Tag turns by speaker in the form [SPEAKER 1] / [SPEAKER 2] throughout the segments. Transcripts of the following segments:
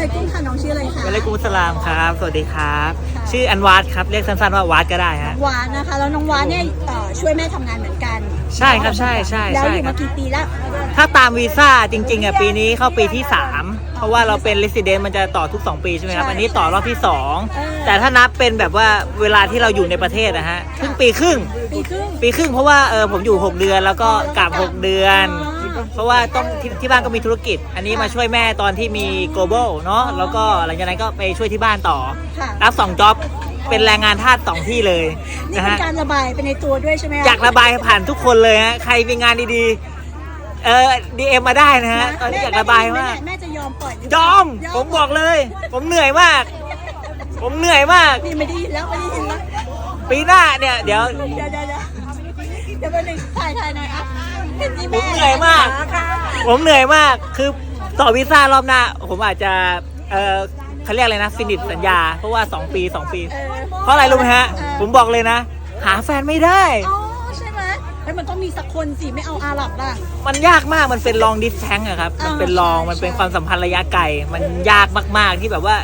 [SPEAKER 1] ลัยกุมค่ะน้องชื่ออะไรคะ
[SPEAKER 2] วะลัยกุมุสสลามครับสวัสดีครับชื่ออันวาดครับเรียกสั้นๆว่าวาดก็ได้ฮะ
[SPEAKER 1] วานนะคะแล้วน้องวานเนี่ยช่วยแม่ทำงานเหมือนกัน
[SPEAKER 2] ใช่ครับใช่
[SPEAKER 1] แล้วอยู่
[SPEAKER 2] ครั
[SPEAKER 1] มา
[SPEAKER 2] บ
[SPEAKER 1] กี่ปีแล้ว
[SPEAKER 2] ถ้าตามวีซ่าจริงๆอ่ะปีนี้เข้าปีที่ 3เพราะว่าเราเป็น resident มันจะต่อทุก2ปีใช่ไหมครับอันนี้ต่อรอบที่2แต่ถ้านับเป็นแบบว่าเวลาที่เราอยู่ในประเทศนะฮะปีครึ่งเพราะว่าผมอยู่6เดือนแล้วก็กลับ6เดือนเพราะว่าต้องที่บ้านก็มีธุรกิจอันนี้มาช่วยแม่ตอนที่มี global เนาะแล้วก็หลังจากนั้นก็ไปช่วยที่บ้านต่อรับ2 จ็อบเป็นแรงงานทาส2ที่เลย
[SPEAKER 1] นี่เป็นการระบายไปในตัวด้วยใช่ไหม
[SPEAKER 2] อยากระบายผ่านทุกคนเลยฮะใครมีงานดีๆDM มาได้นะฮะตอนนี้อยากระบายมาก
[SPEAKER 1] แม่จะยอมปล่อย
[SPEAKER 2] ยอมผมบอกเลยผมเหนื่อยมาก
[SPEAKER 1] นี่ไม่ได้ยินแล้ว
[SPEAKER 2] ปีหน้าเนี่ยเดี๋ยว
[SPEAKER 1] ไปหนึ่งถ่ายหน่อยอ่ะ
[SPEAKER 2] ผมเหนื่อยมากคือต่อวีซ่ารอบหน้าผมอาจจะเขาเรียกอะไรนะฟินิชสัญญาเพราะว่า2 ปีเพราะอะไรรู้ไหมฮะผมบอกเลยนะหาแฟนไม่ได้
[SPEAKER 1] ใช่ไหมแล้วมันต้องมีสักคนสิไม่เอาอาหรับล่ะ
[SPEAKER 2] มันยากมากมันเป็นลองดิสแทงอะครับมันเป็นมันเป็นความสัมพันธ์ระยะไกลมันยากมากๆที่แบบว่า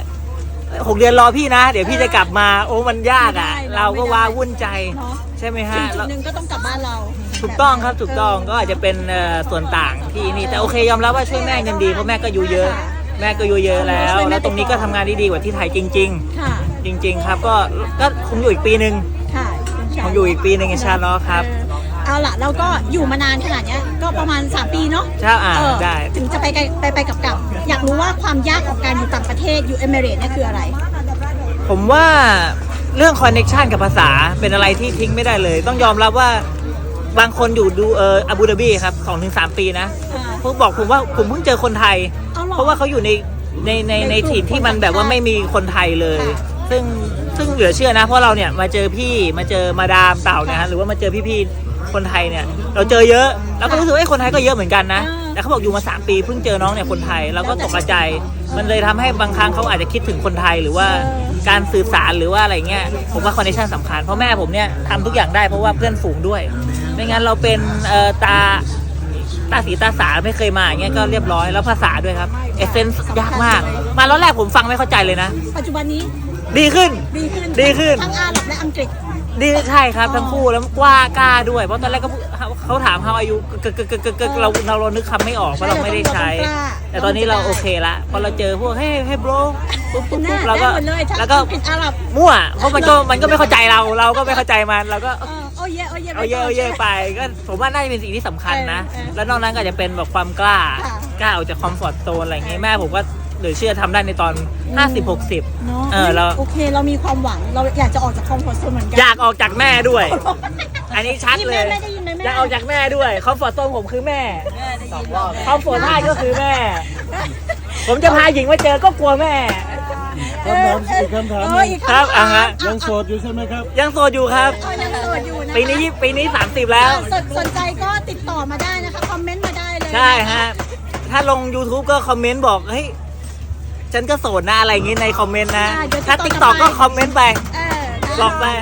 [SPEAKER 2] 6 เดือนรอพี่นะเดี๋ยวพี่จะกลับมาโอ้มันยากอ่ะเราก็ว้าวุ่นใจใช่ไหมฮะ
[SPEAKER 1] จุดหนึ่งก็ต้องกลับบ้านเรา
[SPEAKER 2] ถูกต้องครับถูกต้องก็อาจจะเป็นส่วนต่างที่นี่แต่โอเคยอมรับว่าช่วยแม่ยังดีเพราะแม่ก็อยู่เยอะแล้วตรงนี้ก็ทำงานได้ดีกว่าที่ไทยจริงครับก็คงอยู่อีกปีนึงคงอยู่อีกปีนึงอินชาอัลลอฮ์ครับ
[SPEAKER 1] เอาล่ะเราก็อยู่มานานขนาดนี้ก็ประมาณ3 ปีเนาะ
[SPEAKER 2] ใช่ได้
[SPEAKER 1] ถึงจะไปกลับอยากรู้ว่าความยากของการอยู่ต่างประเทศอยู่เอมิเรตส์เนี่ยคืออะไร
[SPEAKER 2] ผมว่าเรื่องคอนเนคชันกับภาษาเป็นอะไรที่ทิ้งไม่ได้เลยต้องยอมรับว่าบางคนอยู่ดูอาบูดาบีครับ 2-3 ปีนะพวกบอกผมว่าผมเพิ่งเจอคนไทยเพราะว่าเขาอยู่ในถิ่นที่มันแบบว่าไม่มีคนไทยเลยซึ่งเหลือเชื่อนะเพราะเราเนี่ยมาเจอมาดามเต่าเนี่ยฮะหรือว่ามาเจอพี่ๆคนไทยเนี่ยเราเจอเยอะแล้วก็รู้สึกว่าคนไทยก็เยอะเหมือนกันนะแต่เขาบอกอยู่มา3 ปีเพิ่งเจอน้องเนี่ยคนไทยแล้วก็ตกใจมันเลยทำให้บางครั้งเขาอาจจะคิดถึงคนไทยหรือว่าการสื่อสารหรือว่าอะไรเงี้ยผมว่าคอนเนคชั่นสำคัญเพราะแม่ผมเนี่ยทำทุกอย่างได้เพราะว่าเพื่อนฝูงด้วยไม่งั้นเราเป็นตาสีตาสาไม่เคยมาอย่างเงี้ยก็เรียบร้อยแล้วภาษาด้วยครับเอเซนส์ยากมากมาแล้วแรกผมฟังไม่เข้าใจเลยนะ
[SPEAKER 1] ปัจจุบันนี้
[SPEAKER 2] ดีขึ้น
[SPEAKER 1] ทั้งอาหรับและอังกฤษ
[SPEAKER 2] ดีใช่ครับทั้งคู่แล้วกล้าด้วยเพราะตอนแรกก็เขาถามเขาอายุเรานึกคำไม่ออกเพราะเราไม่ได้ใช้แต่ตอนนี้เราโอเคละพอเราเจอพวกให้โบรปุ๊บเราก็แล้วก็มั่วเพราะมันก็ไม่เข้าใจเราก็ไม่เข้าใจมันเราก็
[SPEAKER 1] เอาเย่
[SPEAKER 2] ไปก็ผมว่าน่าจะเป็นสิ่งที่สำคัญนะแล้วนอกนั้นก็จะเป็นแบบความกล้าออกจากคอมฟอร์ตโซนอะไรอย่างงี้แม่ผมก็หรือเชื่อทำได้ในตอน50-60
[SPEAKER 1] เราโอเคเรามีความหวังเราอยากจะออกจากคอมฟอร์ตโซนเหมือนกัน
[SPEAKER 2] อยากออกจากแม่ด้วยอันนี้ชัดเลยอยากออกจากแม่ด้วยคอมฟอร์ตโซนผมคือแม่คอมฟอร์ตท่าก็คือแม่ผมจะพาหญิงมาเจอก็กลัวแม่
[SPEAKER 3] คำถาม
[SPEAKER 2] ครับ
[SPEAKER 3] ยังโสดอยู่ใช่ไหมครับ
[SPEAKER 2] ยังโสดอยู่ครับปีนี้30แล้ว
[SPEAKER 1] สนใจก็ติดต่อมาได้นะคะคอมเมนต์มาได้เลย
[SPEAKER 2] ใช่ฮะถ้าลง YouTube ก็คอมเมนต์บอกเฮ้ยฉันก็โสดนะอะไรอย่างงี้ในคอมเมนต์นะถ้า TikTok ก็คอมเมนต์ไปบอกไป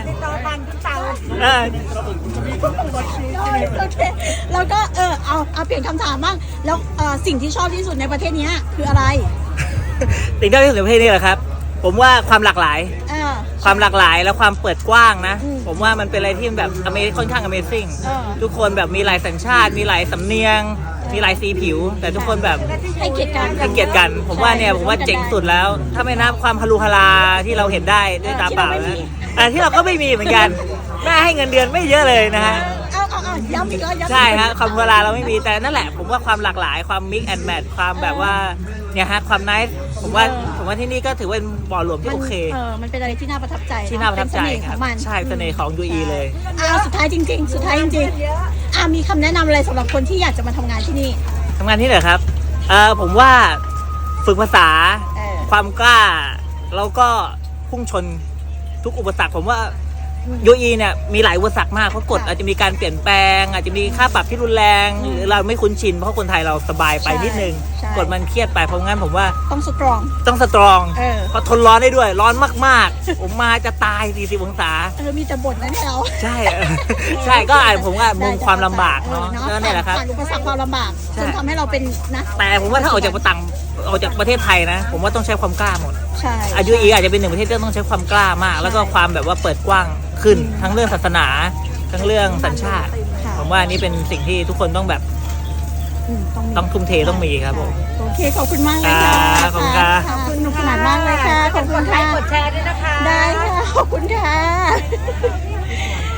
[SPEAKER 1] โอเคแล้วก็เอาเปลี่ยนคำถามบ้างแล้วสิ่งที่ชอบที่สุดในประเทศนี้คืออะไร
[SPEAKER 2] สิ่งที่ชอบที่สุดในประเทศนี้เหรอครับผมว่าความหลากหลายและความเปิดกว้างนะผมว่ามันเป็นอะไรที่แบบค่อนข้าง Amazing ทุกคนแบบมีหลายสัญชาติมีหลายสำเนียงมีหลายสีผิวแต่ทุกคนแบบ
[SPEAKER 1] ให้เกียรติ
[SPEAKER 2] กันผมว่าเจ๋งสุดแล้วถ้าไม่นับความฮารุฮาราที่เราเห็นได้ด้วยตาเปล่านะที่เราก็ไม่มีเหมือนกันแม่ให้เงินเดือนไม่เยอะเลยนะฮะ
[SPEAKER 1] ย้ำอีกแล้ว
[SPEAKER 2] ใช่ฮะความฮารุฮาราเราไม่มีแต่นั่นแหละผมว่าความหลากหลายความ mix and match ความแบบว่าเนี่ยฮะความ nice ผมว่าที่นี่ก็ถือว่าเป็นบ่อรวมที่โอเค
[SPEAKER 1] มันเป็นอะไรที่น่าประทับใจ
[SPEAKER 2] ครับใช่เสน่ห์ของ UAE เลย
[SPEAKER 1] สุดท้ายจริงมีคำแนะนำอะไรสำหรับคนที่อยากจะมาทำงานที่นี่
[SPEAKER 2] เหรอครับผมว่าฝึกภาษาความกล้าแล้วก็พุ่งชนทุกอุปสรรคผมว่า UAE เนี่ยมีหลายอุปสรรคมากเพราะกฎอาจจะมีการเปลี่ยนแปลงอาจจะมีค่าปรับที่รุนแรงหรือเราไม่คุ้นชินเพราะคนไทยเราสบายไปนิดนึงกฎมันเครียดไปเพราะงั้นผมว่า
[SPEAKER 1] ต้องสตรอง
[SPEAKER 2] เพราะทนร้อนได้ด้วยร้อนมากๆผมมาจะตาย40 องศา
[SPEAKER 1] มีแต่บ่นนะเรา
[SPEAKER 2] ใช่ก็ผมว่ามุมความลำบากเนาะนี่แหละครับ
[SPEAKER 1] อุปสรรคความลำบากจนทำให้เราเป็นนะ
[SPEAKER 2] แต่ผมว่าถ้าออกจากออกจากประเทศไทยนะ ผมว่าต้องใช้ความกล้าหมด
[SPEAKER 1] ใช่
[SPEAKER 2] อายุอาจจะเป็นหนึ่งประเทศที่ต้องใช้ความกล้ามาก แล้วก็ความแบบว่าเปิดกว้างขึ้นทั้งเรื่องศาสนาทั้งเรื่องสัญชาติ
[SPEAKER 1] ค่ะ
[SPEAKER 2] ผมว่านี่เป็นสิ่งที่ทุกคนต้องแบบ ต้องทุ่มเทต้องมีครับผม
[SPEAKER 1] โอเคขอบคุณมากเลยค่ะ
[SPEAKER 2] ครับขอบคุณครับ
[SPEAKER 1] ขอบคุณสนุกสนานมากเลยค่ะขอบคุณค่ะ
[SPEAKER 4] กดแชร์ด้วยนะคะ
[SPEAKER 1] ได้ค่ะขอบคุณค่ะ